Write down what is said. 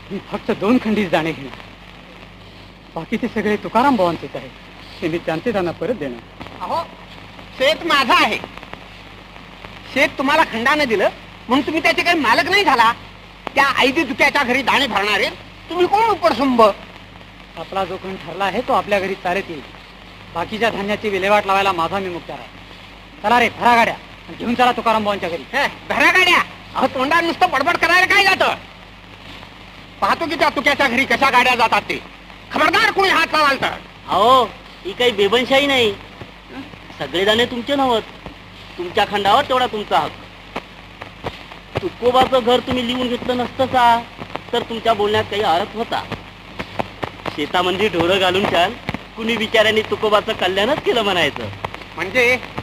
मी फक्त 2 खंडीच दाणे घेणार. बाकीचे सगळे तुकाराम भावांचेच आहे. ते मी त्यांना परत देणार. अहो, शेत माझा आहे. शेत तुम्हाला खंडाने दिलं म्हणून तुम्ही त्याचे काही मालक नाही झाला. त्या आईदी दुक्याच्या घरी दाणे भरणारे तुम्ही कोण उपरसुंब? आपला जो कोण ठरला आहे तो आपल्या घरी चालत येईल. बाकीच्या धान्याची विल्हेवाट लावायला माझा मी मुक्तार आहे. चला रे, भरा गाड्या घेऊन चला तुकाराम भावांच्या घरी. भरा गाड्या? अहो, तोंडात नुसतं बडबड करायला काय जातं? पाहतो की त्या तुक्याच्या घरी कशा गाड्या जातात ते. खबरदार कोणी हात लावाल तर. अहो, ही काही बेबनशाही नाही. सगळे दाणे तुमचे नव्हत. तुमच्या खंडावर तेवढा तुमचा हक्क. तुकोबाचं घर तुम्ही लिहून घेतलं नसतं का तर तुमच्या बोलण्यात काही अर्थ होता. शेतामध्ये ढोरं घालून छान कुणी बिचाऱ्यांनी तुकोबाचं कल्याणच केलं म्हणायचं. म्हणजे